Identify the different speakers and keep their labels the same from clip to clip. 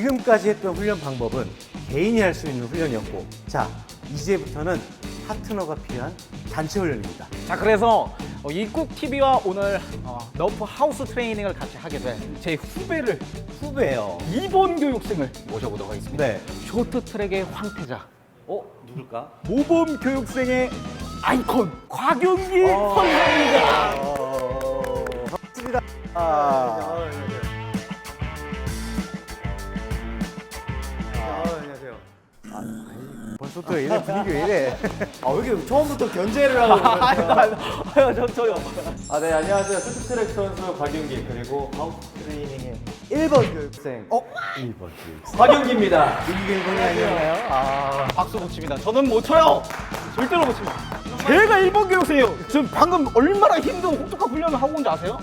Speaker 1: 지금까지 했던 훈련 방법은 개인이 할 수 있는 훈련이었고, 자, 이제부터는 파트너가 필요한 단체 훈련입니다.
Speaker 2: 자, 그래서 이국TV와 오늘 너프 하우스 트레이닝을 같이 하게 된 제
Speaker 1: 후배예요.
Speaker 2: 이번 교육생을 모셔보도록 하겠습니다.
Speaker 1: 네.
Speaker 2: 쇼트트랙의 황태자,
Speaker 1: 누굴까?
Speaker 2: 모범 교육생의 아이콘 곽윤기 선생입니다.
Speaker 1: 반갑습니다.
Speaker 3: 안녕하세요.
Speaker 1: 벌써부터 이래 분위기 왜 이래?
Speaker 3: 왜 이렇게 처음부터 견제를 하고 그러세요?
Speaker 2: 저요.
Speaker 3: 네, 안녕하세요. 쇼트트랙 선수 곽윤기 그리고 하우스 트레이닝의 1번 교육생
Speaker 1: 1번 교육생.
Speaker 3: 곽윤기입니다.
Speaker 1: 분위기 1번이 아니었나요?
Speaker 2: 박수 못 칩니다. 저는 못 쳐요. 절대로 못 칩니다. 제가 1번 교육생이에요. 지금 방금 얼마나 힘든 혹독한 훈련을 하고 온지 아세요?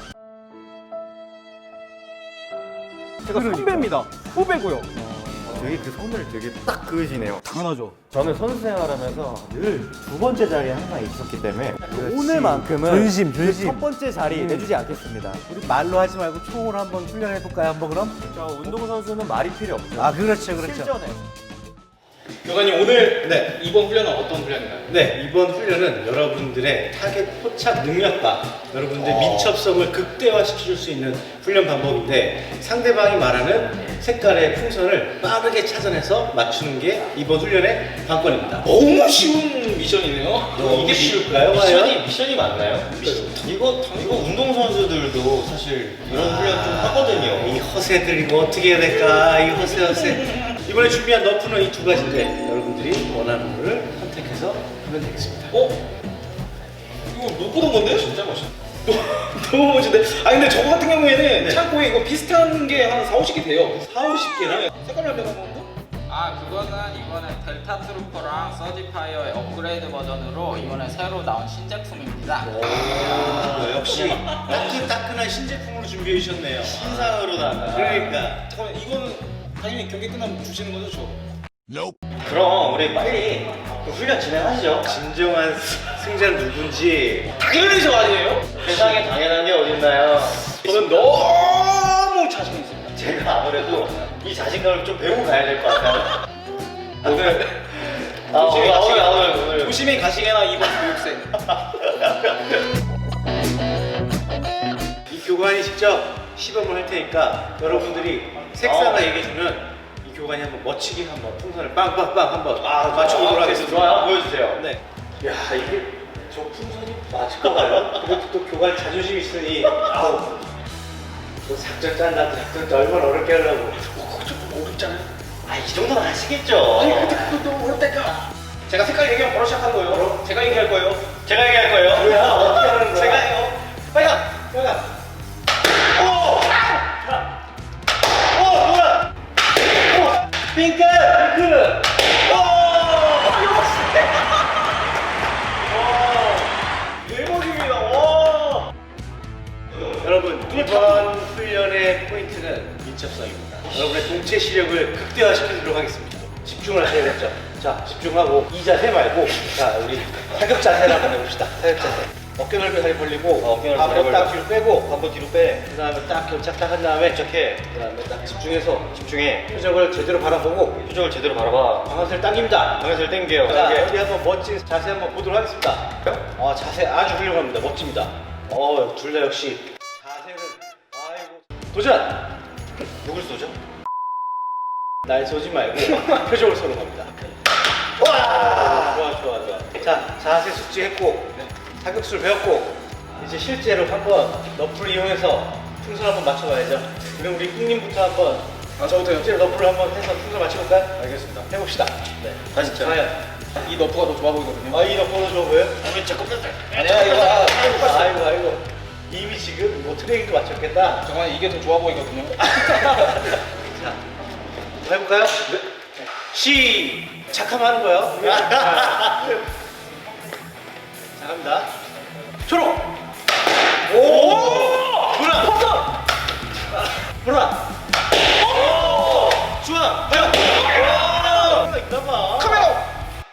Speaker 2: 제가 선배입니다. 후배고요.
Speaker 3: 되게 그 선을 되게 딱 그으시네요.
Speaker 2: 당연하죠.
Speaker 3: 저는 선수 생활하면서 늘 두 번째 자리에 항상 있었기 때문에 오늘만큼은
Speaker 1: 존심.
Speaker 3: 첫 번째 자리 내주지 않겠습니다.
Speaker 1: 우리 말로 하지 말고 총으로 한번 훈련해볼까요? 한번 그럼?
Speaker 3: 저 운동선수는 말이 필요 없죠.
Speaker 1: 아, 그렇죠, 그렇죠.
Speaker 3: 실전에.
Speaker 4: 교관님 오늘 이번 훈련은 어떤 훈련인가요?
Speaker 5: 네, 이번 훈련은 여러분들의 타겟 포착 능력과 여러분들의 민첩성을 극대화시킬 수 있는 훈련 방법인데, 상대방이 말하는 색깔의 풍선을 빠르게 찾아내서 맞추는 게 이번 훈련의 관건입니다.
Speaker 4: 너무 쉬운 미션이네요.
Speaker 5: 이게 쉬울까요?
Speaker 4: 미션이 맞나요? 이거 운동선수들도 사실 이런 훈련 좀 하거든요.
Speaker 5: 이 허세들 이거 어떻게 해야 될까? 이 허세. 이번에 준비한 너프는 이 두 가지인데, 여러분들이 원하는 거를 선택해서 하면 되겠습니다.
Speaker 4: 이거 못 보던 건데? 진짜 멋있다. 너무 멋진데? 근데 저거 같은 경우에는 창고에 이거 비슷한 게 한 4, 50개 돼요. 4, 50개나? 색깔만 내가 먹는 거?
Speaker 6: 그거는 이번에 델타 트루퍼랑 서지파이어의 업그레이드 버전으로 이번에 새로 나온 신제품입니다.
Speaker 5: 역시 따끈따끈한 신제품으로 준비해 주셨네요. 신상으로 다. 그러니까.
Speaker 4: 잠깐만, 이거는 당연히 경기 끝나면 주시는 거죠, 저?
Speaker 5: 그럼 우리 빨리 그 훈련 진행하시죠. 진정한 승자는 누군지
Speaker 4: 당연히 저 아니에요?
Speaker 5: 세상에 당연한 게 어딨나요?
Speaker 4: 저는 너무 자신 있습니다.
Speaker 5: 제가 아무래도 이 자신감을 좀 배우고 가야 될 것 같아요. 오늘 오늘
Speaker 4: 조심히 가시게나 이번 교육생.
Speaker 5: 이 교관이 직접 시범을 할 테니까 여러분들이 색상을 얘기해주면 이 교관이 한번 멋지게 한번 풍선을 빵빵빵 한번 맞춰보도록 하겠습니다.
Speaker 4: 좋아요. 보여주세요.
Speaker 5: 네. 야, 이게 저 풍선이 맞을까 봐요. 그래도 또 교관 자존심 있으니 또 작전 짠다. 작전 짜 얼마나 어렵게 하려고. 그거 좀 어렵잖아요. 이 정도는 아시겠죠?
Speaker 4: 근데 그거 너무 어렵다니까. 제가 색깔 얘기하면 바로 시작한 거예요.
Speaker 5: 바로?
Speaker 4: 제가 얘기할 거예요.
Speaker 5: 제가 얘기할 거예요. 뭐야? 어떻게 하는 거야?
Speaker 4: 제가 해요. 빨간!
Speaker 5: 빨간. 오! 뭐야? 핑크! 핑크!
Speaker 4: 대박입니다. 와!
Speaker 5: 여러분, 이번 훈련의 포인트는 민첩성입니다. 여러분의 동체 시력을 극대화시키도록 하겠습니다. 집중을 하셔야겠죠? 자, 집중하고 이 자세 말고, 자, 우리 사격 자세를 한번 해봅시다. 사격 자세. 어깨 넓이 다리 벌리고, 한번 딱 뒤로 빼고, 한번 뒤로 빼. 그 다음에 딱 견착 딱 한 다음에 이렇게. 그 다음에 딱 집중해. 표정을 제대로 바라보고, 표정을 제대로 바라봐. 방아쇠를 당깁니다. 방아쇠를 당겨요. 자, 어디 한번 멋진 자세 한번 보도록 하겠습니다. 자세 아주 훌륭합니다. 멋집니다. 둘 다 역시. 자세는, 도전! 누굴 쏘죠? 날 쏘지 말고 표정을 쏘는 겁니다. 와! 좋아. 자, 자세 숙지했고, 사격수를 배웠고, 이제 실제로 한번 너프를 이용해서 풍선 한번 맞춰봐야죠. 그럼 우리 꿍님부터 한번
Speaker 4: 저부터요?
Speaker 5: 실제로 너프를 한번 해서 풍선 맞춰볼까요?
Speaker 4: 알겠습니다.
Speaker 5: 해봅시다. 네.
Speaker 4: 다시 쳐.
Speaker 5: 과연.
Speaker 4: 이 너프가 더 좋아 보이거든요.
Speaker 5: 이 너프가 좋아 보여요?
Speaker 4: 아니야, 이거.
Speaker 5: 아이고. 이미 지금 뭐 트레이닝도 맞췄겠다.
Speaker 4: 잠깐만, 이게 더 좋아 보이거든요.
Speaker 5: 자, 한번 해볼까요? 네. 시작하면 하는 거예요. 자, 갑니다. 초록! 오! 보라! 보라! 주황! 하얀! 있나봐.
Speaker 4: 카메라!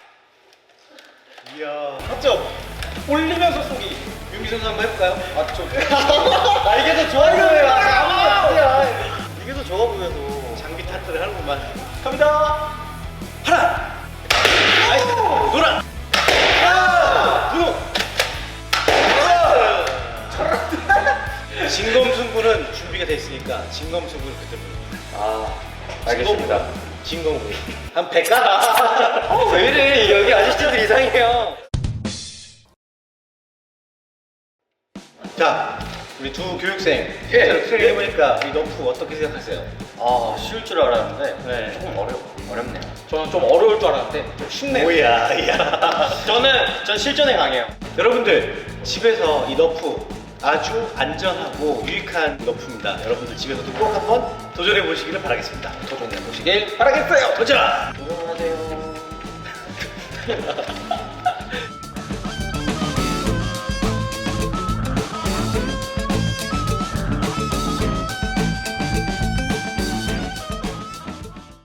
Speaker 5: 이야.
Speaker 4: 맞죠? 올리면서 쏘기.
Speaker 5: 윤기 선수 한번 해볼까요?
Speaker 4: 맞죠?
Speaker 5: 이게 더 좋아 보여요. 이게 더 좋아 보여도. 장비 탓 소리 하는구만. 갑니다. 하나. 아이스. 노란. 하나. 분홍. 진검승부는 준비가 돼 있으니까 진검승부는 그때 보는.
Speaker 3: 알겠습니다.
Speaker 5: 진검승부. 한 100가?
Speaker 3: 왜 이래? 여기 아저씨들 이상해요.
Speaker 5: 자, 우리 두 교육생 실제로 트레이닝 해보니까 이 너프 어떻게 생각하세요?
Speaker 3: 쉬울 줄 알았는데
Speaker 5: 네.
Speaker 3: 조금 어렵네요.
Speaker 6: 저는 좀 어려울 줄 알았는데 좀 쉽네요.
Speaker 5: 뭐야, 야.
Speaker 3: 전 실전에 강해요.
Speaker 5: 여러분들 집에서 이 너프 아주 안전하고 유익한 너프입니다. 여러분들 집에서도 꼭 한번 도전해 보시기를 바라겠습니다.
Speaker 6: 도전해 보시길 바라겠어요.
Speaker 5: 도전!
Speaker 3: 안녕하세요.